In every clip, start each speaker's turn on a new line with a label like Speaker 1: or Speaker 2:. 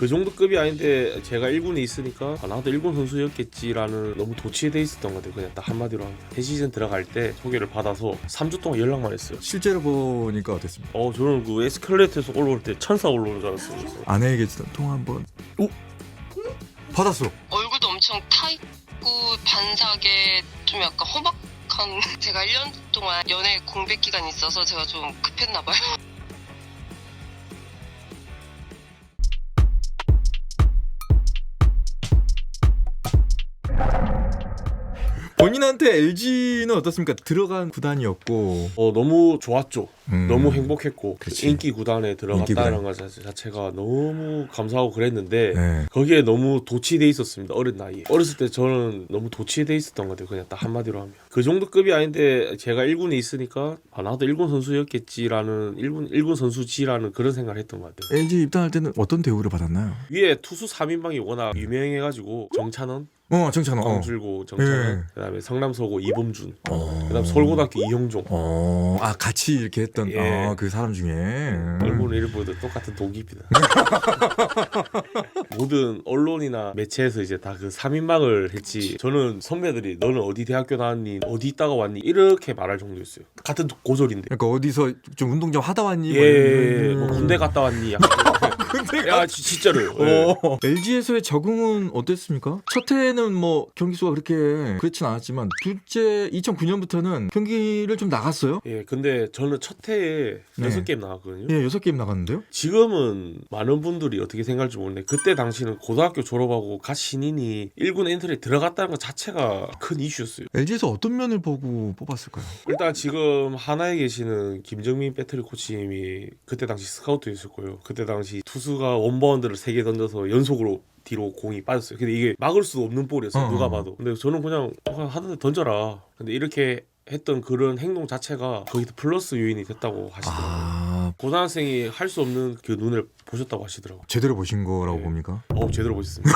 Speaker 1: 그 정도 급이 아닌데 제가 1군에 있으니까 나도 1군 선수였겠지라는 너무 도취돼 있었던 것 같아요. 그냥 딱 한마디로 합니다. 새 시즌 들어갈 때 소개를 받아서 3주 동안 연락만 했어요.
Speaker 2: 실제로 보니까 어땠습니까?
Speaker 1: 저는 그 에스컬레이터에서 올라올 때 천사 올라오는 줄 알았어요. 그래서.
Speaker 2: 아내에게 통화 한번. 오, 받았어.
Speaker 3: 얼굴도 엄청 타있고 반사계 좀 약간 험악한 제가 1년 동안 연애 공백 기간이 있어서 제가 좀 급했나 봐요.
Speaker 2: 본인한테 LG는 어떻습니까? 들어간 구단이었고
Speaker 1: 너무 좋았죠. 너무 행복했고
Speaker 2: 그치.
Speaker 1: 인기 구단에
Speaker 2: 인기
Speaker 1: 들어갔다는
Speaker 2: 구단.
Speaker 1: 것 자체가 너무 감사하고 그랬는데
Speaker 2: 네.
Speaker 1: 거기에 너무 도취돼 있었습니다. 어린 나이에. 어렸을 때 저는 너무 도취돼 있었던 것 같아요. 그냥 딱 한마디로 하면. 그 정도 급이 아닌데 제가 1군에 있으니까 나도 1군 선수였겠지라는 1군 선수지라는 그런 생각을 했던 것 같아요.
Speaker 2: LG 입단할 때는 어떤 대우를 받았나요?
Speaker 1: 위에 투수 3인방이 워낙 유명해가지고 정찬원,
Speaker 2: 정찬호.
Speaker 1: 광줄고 정찬원,
Speaker 2: 네.
Speaker 1: 그다음에 성남서고 이범준,
Speaker 2: 어.
Speaker 1: 그다음 서울고등학교 이형종.
Speaker 2: 같이 이렇게 했던
Speaker 1: 예.
Speaker 2: 그 사람 중에
Speaker 1: 얼굴은 이름 보여도 똑같은 동기입니다. 모든 언론이나 매체에서 이제 다 그 3인방을 했지. 저는 선배들이 너는 어디 대학교 나왔니? 어디 있다가 왔니? 이렇게 말할 정도였어요. 같은 고졸인데.
Speaker 2: 그러니까 어디서 좀 운동 좀 하다 왔니?
Speaker 1: 예, 뭐 군대 갔다 왔니? 약간.
Speaker 2: 군대
Speaker 1: 야, 진짜로. 예.
Speaker 2: LG에서의 적응은 어땠습니까? 첫 해는 뭐 경기 수가 그렇게 그렇진 않았지만 둘째 2009년부터는 경기를 좀 나갔어요?
Speaker 1: 예, 근데 저는 첫 해에
Speaker 2: 네.
Speaker 1: 6게임 나갔거든요.
Speaker 2: 예, 6게임 나갔는데요?
Speaker 1: 지금은 많은 분들이 어떻게 생각할지 모르는데 그때 당시는 고등학교 졸업하고 갓 신인이 1군 엔트리에 들어갔다는 것 자체가 큰 이슈였어요.
Speaker 2: LG에서 어떤 면을 보고 뽑았을까요?
Speaker 1: 일단 지금 하나에 계시는 김정민 배터리 코치님이 그때 당시 스카우트였었고요. 그때 당시 투수가 원바운드를 3개 던져서 연속으로 뒤로 공이 빠졌어요. 근데 이게 막을 수 없는 볼이었어요. 누가 봐도. 근데 저는 그냥 하던데 던져라. 근데 이렇게 했던 그런 행동 자체가 거기서 플러스 요인이 됐다고 하시더라고요. 고등학생이 할 수 없는 그 눈을 보셨다고 하시더라고요.
Speaker 2: 제대로 보신 거라고
Speaker 1: 네.
Speaker 2: 봅니까?
Speaker 1: 제대로 보셨습니다.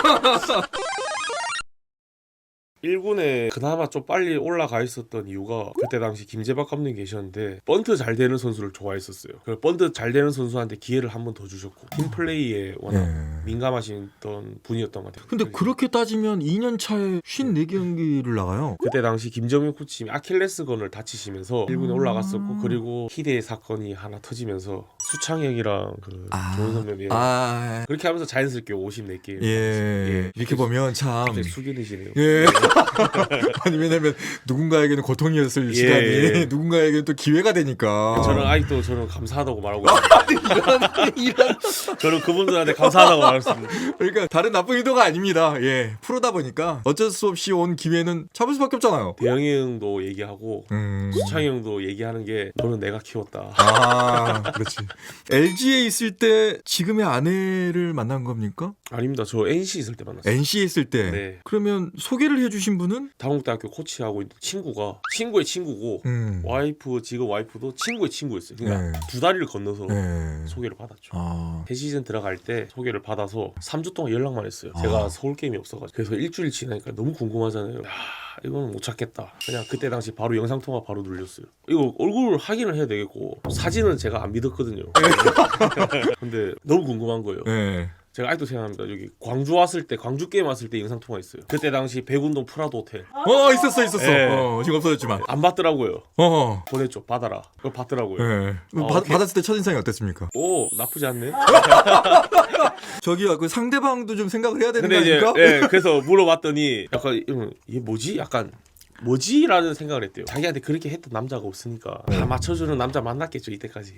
Speaker 1: 1군에 그나마 좀 빨리 올라가 있었던 이유가 그때 당시 김재박 감독이 계셨는데 번트 잘 되는 선수를 좋아했었어요. 그 번트 잘 되는 선수한테 기회를 한 번 더 주셨고 팀플레이에 워낙 민감하셨던 분이었던 것 같아요.
Speaker 2: 근데 그렇게 따지면 2년 차에 54경기를 나가요.
Speaker 1: 그때 당시 김정민 코치님이 아킬레스건을 다치시면서 1군에 올라갔었고 그리고 희대의 사건이 하나 터지면서 수창혁이랑 그 조은 선배님 그렇게 하면서 자연스럽게 54개
Speaker 2: 이렇게 보면 참
Speaker 1: 갑자기 숙연해지네요.
Speaker 2: 예. 아니 왜냐면 누군가에게는 고통이었을 시간이 누군가에게는 또 기회가 되니까.
Speaker 1: 저는 아직도 감사하다고 말하고 있습니다. 저는 그분들한테 감사하다고 말했습니다.
Speaker 2: 그러니까 다른 나쁜 의도가 아닙니다. 예, 프로다 보니까 어쩔 수 없이 온 기회는 잡을 수밖에 없잖아요.
Speaker 1: 대영이 형도 얘기하고 수창이 형도 얘기하는 게 너는 내가 키웠다.
Speaker 2: 그렇지. LG에 있을 때 지금의 아내를 만난 겁니까?
Speaker 1: 아닙니다. 저 NC 있을 때 만났어요.
Speaker 2: NC에 있을 때.
Speaker 1: 네.
Speaker 2: 그러면 소개를 해주신 분은?
Speaker 1: 당국대학교 코치하고 있는 친구가 친구의 친구고 지금 와이프도 친구의 친구였어요. 그러니까 두 다리를 건너서 소개를 받았죠. 새 시즌 들어갈 때 소개를 받아서 3주 동안 연락만 했어요. 제가 서울 게임이 없어가지고. 그래서 일주일 지나니까 너무 궁금하잖아요. 이거는 못 찾겠다. 그냥 그때 당시 바로 영상통화 바로 눌렸어요. 이거 얼굴 확인을 해야 되겠고 사진은 제가 안 믿었거든요. 근데 너무 궁금한 거예요. 제가 아직도 생각합니다. 여기 광주 게임 왔을 때 영상 통화 있어요. 그때 당시 백운동 프라도 호텔.
Speaker 2: 있었어. 지금 없어졌지만.
Speaker 1: 안 받더라고요. 보냈죠. 받아라. 그걸 받더라고요.
Speaker 2: 받았을 때 첫인상이 어땠습니까?
Speaker 1: 나쁘지 않네.
Speaker 2: 저기요, 그 상대방도 좀 생각을 해야 되는 거
Speaker 1: 근데
Speaker 2: 아닙니까?
Speaker 1: 그래서 물어봤더니 약간 얘 뭐지? 약간 뭐지라는 생각을 했대요. 자기한테 그렇게 했던 남자가 없으니까 다 맞춰주는 남자 만났겠죠 이때까지.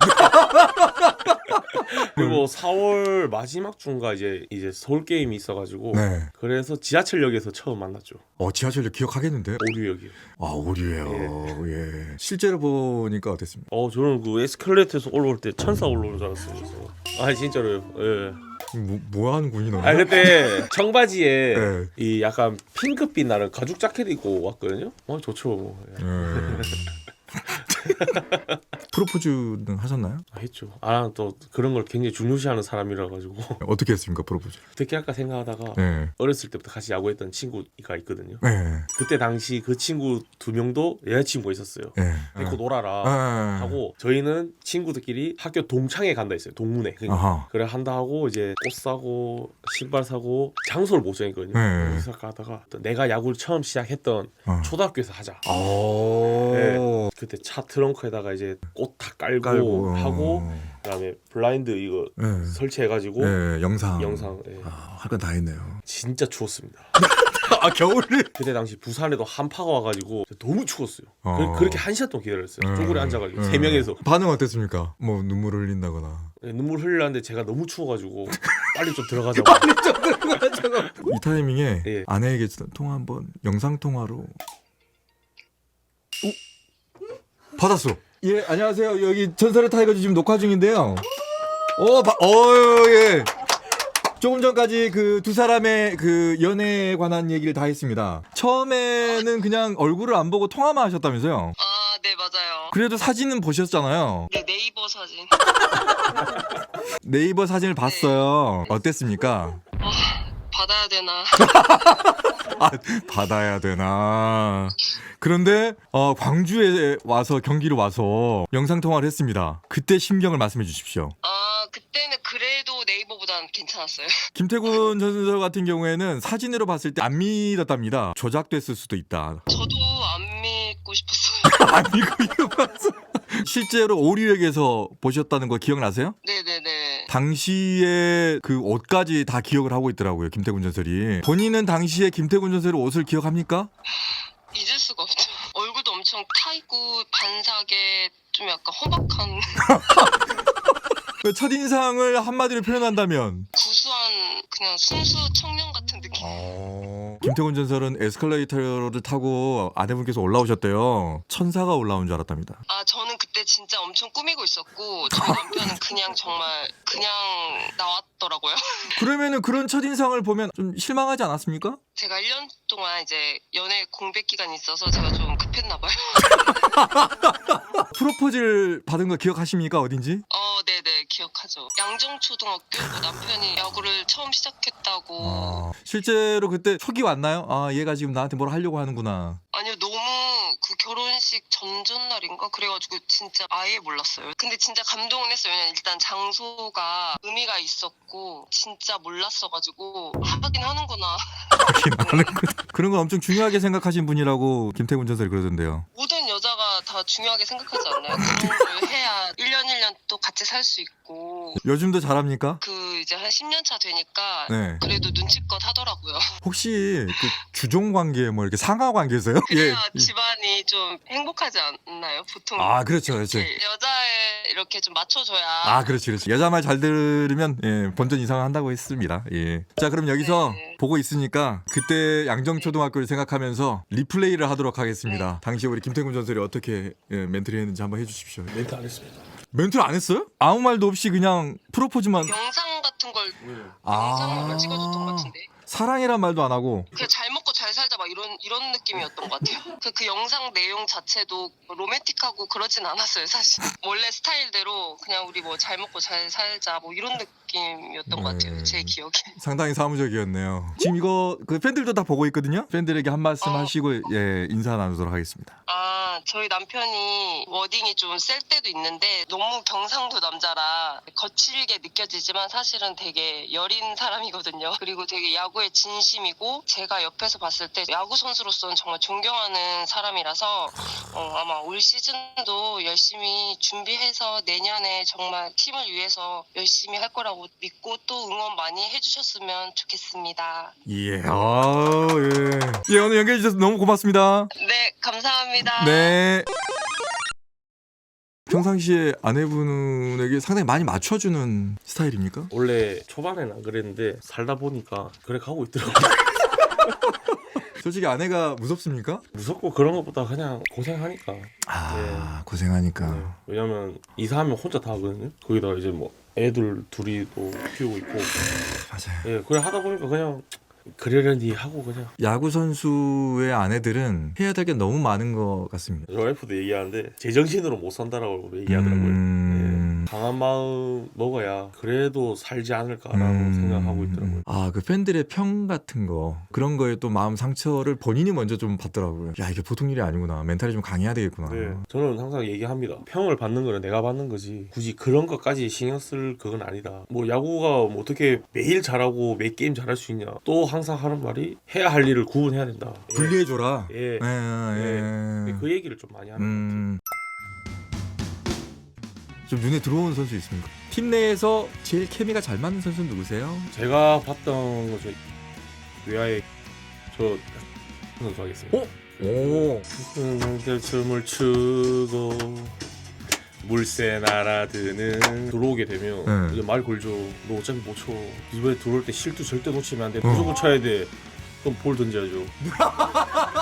Speaker 1: 그리고 4월 마지막 주인가 이제 서울 게임이 있어가지고 그래서 지하철역에서 처음 만났죠.
Speaker 2: 지하철역 기억하겠는데?
Speaker 1: 오류역이요.
Speaker 2: 오류예요. 예. 실제로 보니까 어땠습니까?
Speaker 1: 저는 그 에스컬레이터에서 올라올 때 천사 올라오는 줄 알았어요. 그래서. 진짜로요. 예.
Speaker 2: 뭐 하는 군이 너는?
Speaker 1: 그때 청바지에 이 약간 핑크빛 나는 가죽 자켓 입고 왔거든요. 좋죠. 뭐.
Speaker 2: 프로포즈는 하셨나요?
Speaker 1: 했죠. 또 그런 걸 굉장히 중요시하는 사람이라 가지고
Speaker 2: 어떻게 했습니까, 프로포즈?
Speaker 1: 어떻게 할까 생각하다가
Speaker 2: 네.
Speaker 1: 어렸을 때부터 같이 야구했던 친구가 있거든요.
Speaker 2: 네.
Speaker 1: 그때 당시 그 친구 2명도 여자친구가 있었어요.
Speaker 2: 네.
Speaker 1: 데리고 놀아라
Speaker 2: 네.
Speaker 1: 하고 저희는 친구들끼리 학교 동창회 간다 했어요. 동문회. 그러니까 그래 한다 하고 이제 옷 사고 신발 사고 장소를 못 정했거든요.
Speaker 2: 네.
Speaker 1: 그래서 가다가 내가 야구를 처음 시작했던 초등학교에서 하자.
Speaker 2: 오.
Speaker 1: 네. 그때 차 트렁크에다가 이제 꽃 다 깔고 하고 그다음에 블라인드 이거
Speaker 2: 네.
Speaker 1: 설치해가지고
Speaker 2: 네, 영상 네. 할 건 다 했네요.
Speaker 1: 진짜 추웠습니다.
Speaker 2: 겨울에?
Speaker 1: 그때 당시 부산에도 한파가 와가지고 너무 추웠어요. 그렇게 1시간 동안 기다렸어요. 쪼그려 앉아가지고 3명에서.
Speaker 2: 반응 어땠습니까? 뭐 눈물을 흘린다거나.
Speaker 1: 네, 눈물 흘리는데 제가 너무 추워가지고 빨리 좀 들어가자고.
Speaker 2: 빨리 좀 들어가자고. 이 타이밍에
Speaker 1: 예.
Speaker 2: 아내에게 통화 한번 영상 통화로. 받았어. 예, 안녕하세요. 여기 전설의 타이거즈 지금 녹화 중인데요. 예. 조금 전까지 그 두 사람의 그 연애에 관한 얘기를 다 했습니다. 처음에는 그냥 얼굴을 안 보고 통화만 하셨다면서요?
Speaker 3: 아, 네, 맞아요.
Speaker 2: 그래도 사진은 보셨잖아요.
Speaker 3: 네, 네이버 사진.
Speaker 2: 네이버 사진을 봤어요. 어땠습니까?
Speaker 3: 받아야 되나?
Speaker 2: 받아야 되나. 그런데 광주에 와서 경기로 와서 영상 통화를 했습니다. 그때 심경을 말씀해 주십시오.
Speaker 3: 그때는 그래도 네이버보다는 괜찮았어요.
Speaker 2: 김태군 전설 같은 경우에는 사진으로 봤을 때 안 믿었답니다. 조작됐을 수도 있다.
Speaker 3: 저도 안 믿고 싶었어요.
Speaker 2: 안 믿고 봤어. 실제로 오리역에서 보셨다는 거 기억나세요?
Speaker 3: 네네네.
Speaker 2: 당시에 그 옷까지 다 기억을 하고 있더라고요. 김태군 전설이. 본인은 당시에 김태군 전설의 옷을 기억합니까?
Speaker 3: 잊을 수가 없죠. 얼굴도 엄청 타있고 반사계 좀 약간 험악한
Speaker 2: 첫인상을 한마디로 표현한다면
Speaker 3: 구수한 그냥 순수 청년 같은 느낌.
Speaker 2: 김태군 전설은 에스컬레이터를 타고 아내분께서 올라오셨대요. 천사가 올라온 줄 알았답니다.
Speaker 3: 저는 그때 진짜 엄청 꾸미고 있었고 저희 남편은 그냥 정말 그냥 나왔더라고요.
Speaker 2: 그러면은 그런 첫인상을 보면 좀 실망하지 않았습니까?
Speaker 3: 제가 1년 동안 이제 연애 공백 기간이 있어서 제가 좀 급했나 봐요.
Speaker 2: 프로포즈를 받은 거 기억하십니까? 어딘지?
Speaker 3: 네네 기억하죠. 양정초등학교 남편이 야구를 처음 시작했다고.
Speaker 2: 실제로 그때 촉이 왔나요? 얘가 지금 나한테 뭘 하려고 하는구나.
Speaker 3: 아니요, 너무 그 결혼식 전날인가 그래가지고 진짜 아예 몰랐어요. 근데 진짜 감동은 했어요. 왜냐면 일단 장소가 의미가 있었고 진짜 몰랐어가지고 하긴 하는구나.
Speaker 2: 그런 건 엄청 중요하게 생각하신 분이라고 김태군 전설이 그러던데요.
Speaker 3: 모든 여자가 다 중요하게 생각하지 않나요? 그런 걸 해야 1년 1년 또 같이 살 수 있고.
Speaker 2: 요즘도 잘합니까?
Speaker 3: 그 이제 한 10년 차 되니까
Speaker 2: 네.
Speaker 3: 그래도 눈치껏 하더라고요.
Speaker 2: 혹시 그 주종 관계 뭐 이렇게 상하 관계세요?
Speaker 3: 그래야 집안이 좀 행복하지 않나요? 보통.
Speaker 2: 그렇죠.
Speaker 3: 여자에 이렇게 좀 맞춰줘야.
Speaker 2: 그렇지. 여자 말 잘 들으면 본전 이상을 한다고 했습니다. 예. 자, 그럼 여기서 보고 있으니까 그때 양정초등학교를 생각하면서 리플레이를 하도록 하겠습니다. 당시 우리 김태군 전설이 어떻게 멘트를 했는지 한번 해주십시오.
Speaker 1: 멘트 안 했습니다.
Speaker 2: 멘트를 안 했어요? 아무 말도 없이 그냥 프로포즈만.
Speaker 3: 영상 같은 걸 영상만 찍어줬던 것 같은데.
Speaker 2: 사랑이란 말도 안 하고
Speaker 3: 그냥 잘 먹고 잘 살자 막 이런 느낌이었던 것 같아요. 그 영상 내용 자체도 로맨틱하고 그러진 않았어요 사실. 원래 스타일대로 그냥 우리 뭐 잘 먹고 잘 살자 뭐 이런 느낌이었던 것 같아요. 제 기억에.
Speaker 2: 상당히 사무적이었네요. 지금 이거 그 팬들도 다 보고 있거든요. 팬들에게 한 말씀 하시고 인사 나누도록 하겠습니다.
Speaker 3: 저희 남편이 워딩이 좀 셀 때도 있는데 너무 경상도 남자라 거칠게 느껴지지만 사실은 되게 여린 사람이거든요. 그리고 되게 야구에 진심이고 제가 옆에서 봤을 때 야구 선수로서는 정말 존경하는 사람이라서 아마 올 시즌도 열심히 준비해서 내년에 정말 팀을 위해서 열심히 할 거라고 믿고 또 응원 많이 해주셨으면 좋겠습니다.
Speaker 2: 예, 오늘 연결해 주셔서 너무 고맙습니다.
Speaker 3: 네, 감사합니다.
Speaker 2: 네. 평상시에 아내분에게 상당히 많이 맞춰주는 스타일입니까?
Speaker 1: 원래 초반에는 안 그랬는데 살다 보니까 그래 가고 있더라고요.
Speaker 2: 솔직히 아내가 무섭습니까?
Speaker 1: 무섭고 그런 것보다 그냥 고생하니까.
Speaker 2: 고생하니까.
Speaker 1: 네. 왜냐면 이사하면 혼자 다 하거든요. 거기다 이제 뭐 애들 둘이 또 키우고 있고.
Speaker 2: 맞아요.
Speaker 1: 예, 그래 하다 보니까 그냥 그러려니 하고 그냥.
Speaker 2: 야구 선수의 아내들은 해야 될 게 너무 많은 것 같습니다.
Speaker 1: 저 와이프도 얘기하는데 제정신으로 못 산다라고 얘기하더라고요. 네. 강한 마음 먹어야 그래도 살지 않을까라고 생각하고 있더라고요.
Speaker 2: 아, 그 팬들의 평 같은 거 그런 거에 또 마음 상처를 본인이 먼저 좀 받더라고요. 야, 이게 보통 일이 아니구나. 멘탈이 좀 강해야 되겠구나.
Speaker 1: 네. 저는 항상 얘기합니다. 평을 받는 거는 내가 받는 거지 굳이 그런 것까지 신경 쓸 그건 아니다. 뭐 야구가 뭐 어떻게 매일 잘하고 매 게임 잘할 수 있냐. 또 항상 하는 말이 해야 할 일을 구분해야 된다.
Speaker 2: 분리해줘라.
Speaker 1: 예.
Speaker 2: 예.
Speaker 1: 그 얘기를 좀 많이 하는 것 같아요.
Speaker 2: 좀 눈에 들어오는 선수 있습니까? 팀 내에서 제일 케미가 잘 맞는 선수는 누구세요?
Speaker 1: 제가 봤던 거 중에 외야에 저 선수 하겠습니다.
Speaker 2: 오.
Speaker 1: 춤을 추고 물새 날아드는 들어오게 되면 이제 말 걸죠. 너 어차피 못 쳐. 이번에 들어올 때 실수 절대 놓치면 안 돼. 무조건 쳐야 돼. 그럼 볼 던져야죠.